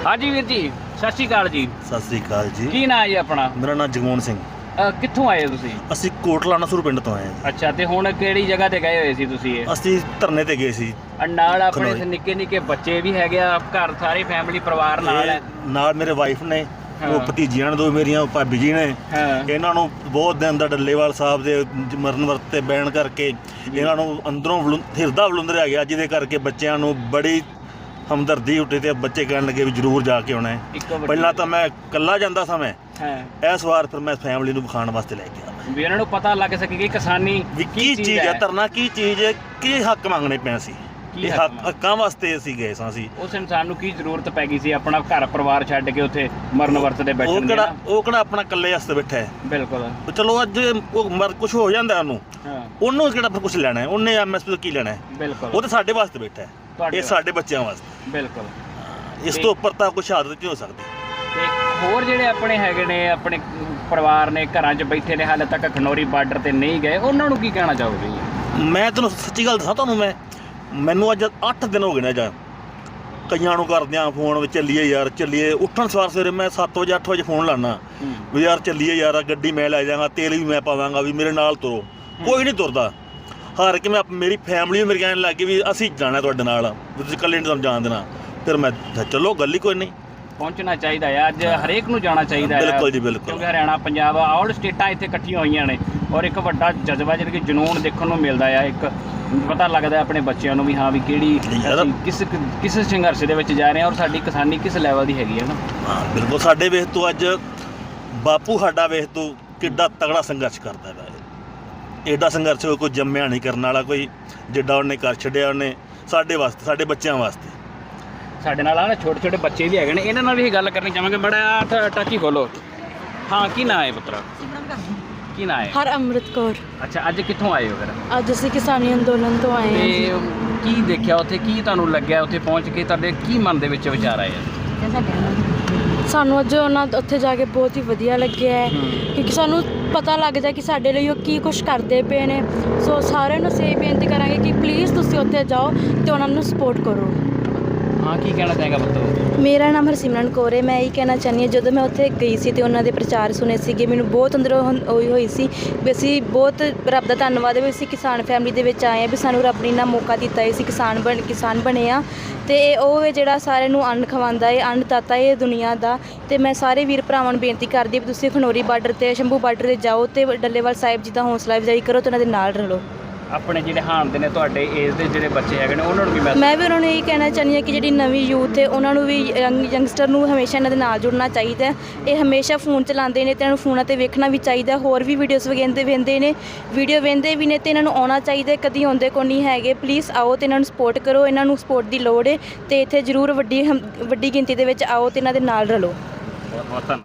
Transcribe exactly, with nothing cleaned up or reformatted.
हाँ जी वीर जी, सत श्री अकाल जी। सत श्री अकाल जी। की नाम है जी अपना? मेरा नाम जगमोहन सिंह। कित्थों आए हो तुसी? ਅਸੀਂ ਕੋਟਲਾ ਨਸੂਰ ਪਿੰਡ ਤੋਂ ਆਏ ਹਾਂ। अच्छा, ਤੇ ਹੁਣ ਕਿਹੜੀ ਜਗ੍ਹਾ ਤੇ ਗਏ ਹੋਏ ਸੀ ਤੁਸੀਂ? ਇਹ ਅਸੀਂ ਧਰਨੇ ਤੇ ਗਏ ਸੀ। ਨਾਲ ਆਪਣੇ ਖਨੌਰੀ। ਨਿੱਕੇ ਨਿੱਕੇ ਬੱਚੇ ਵੀ ਹੈਗੇ ਆ, ਘਰ ਸਾਰੇ ਫੈਮਿਲੀ ਪਰਿਵਾਰ ਨਾਲ ਹੈ? ਇਹ ਨਾਲ ਮੇਰੇ ਵਾਈਫ ਨੇ, ਹਾਂ। ਉਹ ਭਤੀਜੀਆਂ ਨੇ ਦੋ ਮੇਰੀਆਂ, ਭਾਬੀ ਜੀ ਨੇ। ਹਾਂ। ਇਹਨਾਂ ਨੂੰ ਬਹੁਤ ਦਿਨ ਦਾ ਡੱਲੇਵਾਲ ਸਾਹਿਬ ਦੇ ਮਰਨ ਵਰਤ ਤੇ ਬੈਣ ਕਰਕੇ ਇਹਨਾਂ ਨੂੰ ਅੰਦਰੋਂ ਵਲੁੰ- ਹਿਰਦਾ ਵਲੁੰਦਰਿਆ ਗਿਆ, ਜਿਹਦੇ ਕਰਕੇ ਬੱਚਿਆਂ ਨੂੰ ਬੜੀ ਹਮਦਰਦੀ ਉੱਠੀ ਤੇ ਬੱਚੇ ਕਹਿਣ ਲੱਗੇ ਵੀ ਜ਼ਰੂਰ ਜਾ ਕੇ ਆਉਣਾ ਹੈ। ਇੱਕ ਵੱਡੀ- ਪਹਿਲਾਂ ਤਾਂ ਮੈਂ ਇਕੱਲਾ ਜਾਂਦਾ ਸਾਂ ਮੈਂ, ਹਾਂ, ਇਸ ਵਾਰ ਫਿਰ ਮੈਂ ਫੈਮਿਲੀ ਨੂੰ ਵਿਖਾਉਣ ਵਾਸਤੇ ਲੈ ਗਿਆ ਵੀ ਇਹਨਾਂ ਨੂੰ ਪਤਾ ਲੱਗ ਸਕੇ ਕਿ ਕਿਸਾਨੀ ਵੀ ਕੀ ਚੀਜ਼ ਹੈ, ਧਰਨਾ ਕੀ ਚੀਜ਼ ਹੈ, ਕੀ ਹੱਕ ਮੰਗਣੇ ਪਏ ਸੀ। ਕੀ ਇਹ ਹੱਕ ਹੱਕ ਹੱਕਾਂ ਵਾਸਤੇ ਅਸੀਂ ਗਏ ਸਾਂ ਅਸੀਂ। ਉਸ ਇਨਸਾਨ ਨੂੰ ਕੀ ਜ਼ਰੂਰਤ ਪੈ ਗਈ ਸੀ ਆਪਣਾ ਘਰ ਪਰਿਵਾਰ ਛੱਡ ਕੇ ਉੱਥੇ ਮਰਨ ਵਰਤ ਦੇ ਉਹ ਬੈਠਣ ਦੀ ਕਿਹੜਾ ਨਾ? ਉਹ ਕਿਹੜਾ ਆਪਣਾ ਇਕੱਲੇ ਵਾਸਤੇ ਬੈਠਾ ਹੈ। ਬਿਲਕੁਲ। ਤੇ ਚਲੋ ਅੱਜ ਉਹ ਮਰ ਕੁਝ ਹੋ ਜਾਂਦਾ ਉਹਨੂੰ, ਹਾਂ, ਉਹਨੂੰ ਕਿਹੜਾ ਫਿਰ ਕੁਝ ਲੈਣਾ ਹੈ, ਉਹਨੇ ਐਮਐਸਪੀ ਤੋਂ ਕੀ ਲੈਣਾ ਹੈ। ਬਿਲਕੁਲ। ਉਹ ਤਾਂ ਸਾਡੇ ਵਾਸਤੇ ਬੈਠਾ ਹੈ, ਤੁਹਾਡੇ ਇਹ ਸਾਡੇ ਬੱਚਿਆਂ ਵਾਸਤੇ। ਬਿਲਕੁਲ। ਇਸ ਤੋਂ ਉੱਪਰ ਤਾਂ ਕੋਈ ਸ਼ਹਾਦਤ ਨਹੀਂ ਹੋ ਸਕਦੀ। ਤੇ ਹੋਰ ਜਿਹੜੇ ਆਪਣੇ ਹੈਗੇ ਨੇ, ਆਪਣੇ ਪਰਿਵਾਰ ਨੇ ਘਰਾਂ 'ਚ ਬੈਠੇ ਨੇ, ਹਾਲੇ ਤੱਕ ਖਨੌਰੀ ਬਾਰਡਰ ਤੇ ਨਹੀਂ ਗਏ, ਉਹਨਾਂ ਨੂੰ ਕੀ ਕਹਿਣਾ ਚਾਹੋਗੇ ਜੀ? ਮੈਂ ਤੈਨੂੰ ਸੱਚੀ ਗੱਲ ਦੱਸਾਂ ਤੁਹਾਨੂੰ, ਮੈਂ ਮੈਨੂੰ ਅੱਜ ਅੱਠ ਦਿਨ ਹੋ ਗਏ ਨੇ। ਜਾਂ ਕਈਆਂ ਨੂੰ ਕਰਦਿਆਂ ਫੋਨ ਵਿੱਚ ਚੱਲੀਏ ਯਾਰ ਚੱਲੀਏ, ਉੱਠਣ ਸਵਾਰ ਸਵੇਰੇ ਮੈਂ ਸੱਤ ਵਜੇ ਅੱਠ ਵਜੇ ਫੋਨ ਲਾਣਾ ਵੀ ਯਾਰ ਚੱਲੀਏ ਯਾਰ, ਗੱਡੀ ਮੈਂ ਲੈ ਜਾਵਾਂਗਾ, ਤੇਲ ਵੀ ਮੈਂ ਪਾਵਾਂਗਾ, ਵੀ ਮੇਰੇ ਨਾਲ ਤੁਰੋ। ਕੋਈ ਨਹੀਂ ਤੁਰਦਾ। ਹਾਰ ਕੇ ਮੈਂ ਮੇਰੀ ਫੈਮਿਲੀ ਵੀ ਮੇਰੇ ਕਹਿਣ ਲੱਗ ਗਈ ਵੀ ਅਸੀਂ ਜਾਣਾ ਤੁਹਾਡੇ ਨਾਲ, ਵੀ ਤੁਸੀਂ ਇਕੱਲੇ ਨਹੀਂ ਤੁਹਾਨੂੰ ਜਾਣ ਦੇਣਾ। ਫਿਰ ਮੈਂ ਕਿਹਾ ਚਲੋ ਗੱਲ ਹੀ ਕੋਈ ਨਹੀਂ। ਪਹੁੰਚਣਾ ਚਾਹੀਦਾ ਹੈ, ਅੱਜ ਹਰੇਕ ਨੂੰ ਜਾਣਾ ਚਾਹੀਦਾ ਹੈ। ਬਿਲਕੁਲ ਜੀ, ਬਿਲਕੁਲ। ਕਿਉਂਕਿ ਹਰਿਆਣਾ, ਪੰਜਾਬ, ਆਲ ਸਟੇਟਾਂ ਇੱਥੇ ਇਕੱਠੀਆਂ ਹੋਈਆਂ ਨੇ ਔਰ ਇੱਕ ਵੱਡਾ ਜਜ਼ਬਾ ਜਿਹੜਾ ਕਿ ਜਨੂਨ ਦੇਖਣ ਨੂੰ ਮਿਲਦਾ ਆ। ਇੱਕ ਪਤਾ ਲੱਗਦਾ ਆਪਣੇ ਬੱਚਿਆਂ ਨੂੰ ਵੀ ਹਾਂ ਵੀ ਕਿਹੜੀ ਅਸੀਂ ਕਿਸ ਕਿਸ ਸੰਘਰਸ਼ ਦੇ ਵਿੱਚ ਜਾ ਰਹੇ ਹਾਂ ਔਰ ਸਾਡੀ ਕਿਸਾਨੀ ਕਿਸ ਲੈਵਲ ਦੀ ਹੈਗੀ ਹੈ ਨਾ। ਹਾਂ ਬਿਲਕੁਲ। ਸਾਡੇ ਵੇਖ ਤੋਂ ਅੱਜ ਬਾਪੂ ਸਾਡਾ ਵੇਖ ਤੋਂ ਕਿੱਡਾ ਤਗੜਾ ਸੰਘਰਸ਼ ਕਰਦਾ ਹੈ। ਐਡਾ ਸੰਘਰਸ਼ ਕੋਈ ਜੰਮਿਆ ਨਹੀਂ ਕਰਨ ਵਾਲਾ, ਕੋਈ ਜਿੱਡਾ ਉਹਨੇ ਕਰ ਛੱਡਿਆ ਉਹਨੇ ਸਾਡੇ ਵਾਸਤੇ, ਸਾਡੇ ਬੱਚਿਆਂ ਵਾਸਤੇ। ਸਾਡੇ ਨਾਲ ਆ ਨਾ ਛੋਟੇ ਛੋਟੇ ਬੱਚੇ ਵੀ ਹੈਗੇ ਨੇ, ਇਹਨਾਂ ਨਾਲ ਵੀ ਇਹ ਗੱਲ ਕਰਨੀ ਚਾਹਾਂਗੇ। ਬੜਾ ਟਾਚੀ ਖੋਲੋ। ਹਾਂ, ਕੀ ਨਾਂ ਹੈ ਪੁੱਤਰਾ? ਕੀ ਨਾਂ ਹੈ? ਹਰਅਮਰਤ ਕੌਰ। ਅੱਛਾ, ਅੱਜ ਕਿੱਥੋਂ ਆਏ ਹੋ ਫਿਰ? ਅੱਜ ਅਸੀਂ ਕਿਸਾਨੀ ਅੰਦੋਲਨ ਤੋਂ ਆਏ ਹਾਂ। ਤੇ ਕੀ ਦੇਖਿਆ ਉੱਥੇ, ਕੀ ਤੁਹਾਨੂੰ ਲੱਗਿਆ ਉੱਥੇ ਪਹੁੰਚ ਕੇ, ਤੁਹਾਡੇ ਕੀ ਮਨ ਦੇ ਵਿੱਚ ਵਿਚਾਰ ਆਏ? ਸਾਨੂੰ ਅੱਜ ਉਹਨਾਂ ਉੱਥੇ ਜਾ ਕੇ ਬਹੁਤ ਹੀ ਵਧੀਆ ਲੱਗਿਆ ਹੈ, ਕਿਉਂਕਿ ਸਾਨੂੰ ਪਤਾ ਲੱਗਦਾ ਕਿ ਸਾਡੇ ਲਈ ਉਹ ਕੀ ਕੁਛ ਕਰਦੇ ਪਏ ਨੇ। ਸੋ ਸਾਰਿਆਂ ਨੂੰ ਸੇ ਬੇਨਤੀ ਕਰਾਂਗੇ ਕਿ ਪਲੀਜ਼ ਤੁਸੀਂ ਉੱਥੇ ਜਾਓ ਅਤੇ ਉਹਨਾਂ ਨੂੰ ਸਪੋਰਟ ਕਰੋ। ਹਾਂ, ਕੀ ਕਹਿਣਾ ਚਾਹੇਗਾ ਪੁੱਤਰ? ਮੇਰਾ ਨਾਮ ਹਰਸਿਮਰਨ ਕੌਰ ਹੈ। ਮੈਂ ਇਹ ਕਹਿਣਾ ਚਾਹੁੰਦੀ ਹਾਂ, ਜਦੋਂ ਮੈਂ ਉੱਥੇ ਗਈ ਸੀ ਅਤੇ ਉਹਨਾਂ ਦੇ ਪ੍ਰਚਾਰ ਸੁਣੇ ਸੀਗੇ, ਮੈਨੂੰ ਬਹੁਤ ਅੰਦਰੋਂ ਹੋਈ ਹੋਈ ਸੀ ਵੀ ਅਸੀਂ ਬਹੁਤ ਰੱਬ ਦਾ ਧੰਨਵਾਦ ਹੈ ਵੀ ਅਸੀਂ ਕਿਸਾਨ ਫੈਮਿਲੀ ਦੇ ਵਿੱਚ ਆਏ ਹਾਂ, ਵੀ ਸਾਨੂੰ ਰੱਬ ਨੇ ਇੰਨਾ ਮੌਕਾ ਦਿੱਤਾ ਹੈ, ਅਸੀਂ ਕਿਸਾਨ ਬਣ ਕਿਸਾਨ ਬਣੇ ਹਾਂ। ਅਤੇ ਉਹ ਹੈ ਜਿਹੜਾ ਸਾਰਿਆਂ ਨੂੰ ਅੰਨ ਖਵਾਉਂਦਾ ਹੈ, ਅੰਨਦਾਤਾ ਹੈ ਦੁਨੀਆ ਦਾ। ਅਤੇ ਮੈਂ ਸਾਰੇ ਵੀਰ ਭਰਾਵਾਂ ਨੂੰ ਬੇਨਤੀ ਕਰਦੀ ਵੀ ਤੁਸੀਂ ਖਨੌਰੀ ਬਾਰਡਰ 'ਤੇ, ਸ਼ੰਭੂ ਬਾਰਡਰ 'ਤੇ ਜਾਓ ਅਤੇ ਡੱਲੇਵਾਲ ਸਾਹਿਬ ਜੀ ਦਾ ਹੌਸਲਾ ਅਫਜ਼ਾਈ ਕਰੋ ਅਤੇ ਉਹਨਾਂ ਦੇ ਨਾਲ ਰਲੋ। ਆਪਣੇ ਜਿਹੜੇ ਹਾਣ ਦੇ ਨੇ ਤੁਹਾਡੇ ਏਜ ਦੇ ਜਿਹੜੇ ਬੱਚੇ ਹੈਗੇ ਨੇ, ਉਹਨਾਂ ਨੂੰ ਵੀ ਮੈਂ ਮੈਂ ਵੀ ਉਹਨਾਂ ਨੂੰ ਇਹ ਕਹਿਣਾ ਚਾਹੁੰਦੀ ਹਾਂ ਕਿ ਜਿਹੜੀ ਨਵੀਂ ਯੂਥ ਹੈ ਉਹਨਾਂ ਨੂੰ ਵੀ, ਯੰਗ ਯੰਗਸਟਰ ਨੂੰ ਹਮੇਸ਼ਾ ਇਹਨਾਂ ਦੇ ਨਾਲ ਜੁੜਨਾ ਚਾਹੀਦਾ। ਇਹ ਹਮੇਸ਼ਾ ਫੋਨ ਚਲਾਉਂਦੇ ਨੇ ਅਤੇ ਇਹਨਾਂ ਨੂੰ ਫੋਨਾਂ 'ਤੇ ਵੇਖਣਾ ਵੀ ਚਾਹੀਦਾ। ਹੋਰ ਵੀ ਵੀਡੀਓਜ਼ ਵਗੈਂਦੇ ਵੇਂਦੇ ਨੇ, ਵੀਡੀਓ ਵੇਂਦੇ ਵੀ ਨੇ, ਅਤੇ ਇਹਨਾਂ ਨੂੰ ਆਉਣਾ ਚਾਹੀਦਾ। ਕਦੀ ਆਉਂਦੇ ਕੋ ਨਹੀਂ ਹੈਗੇ। ਪਲੀਜ਼ ਆਓ ਅਤੇ ਇਹਨਾਂ ਨੂੰ ਸਪੋਰਟ ਕਰੋ। ਇਹਨਾਂ ਨੂੰ ਸਪੋਰਟ ਦੀ ਲੋੜ ਹੈ ਅਤੇ ਇੱਥੇ ਜ਼ਰੂਰ ਵੱਡੀ ਵੱਡੀ ਗਿਣਤੀ ਦੇ ਵਿੱਚ ਆਓ ਅਤੇ ਇਹਨਾਂ ਦੇ ਨਾਲ ਰਲੋ। ਬਹੁਤ ਬਹੁਤ ਧੰਨਵਾਦ।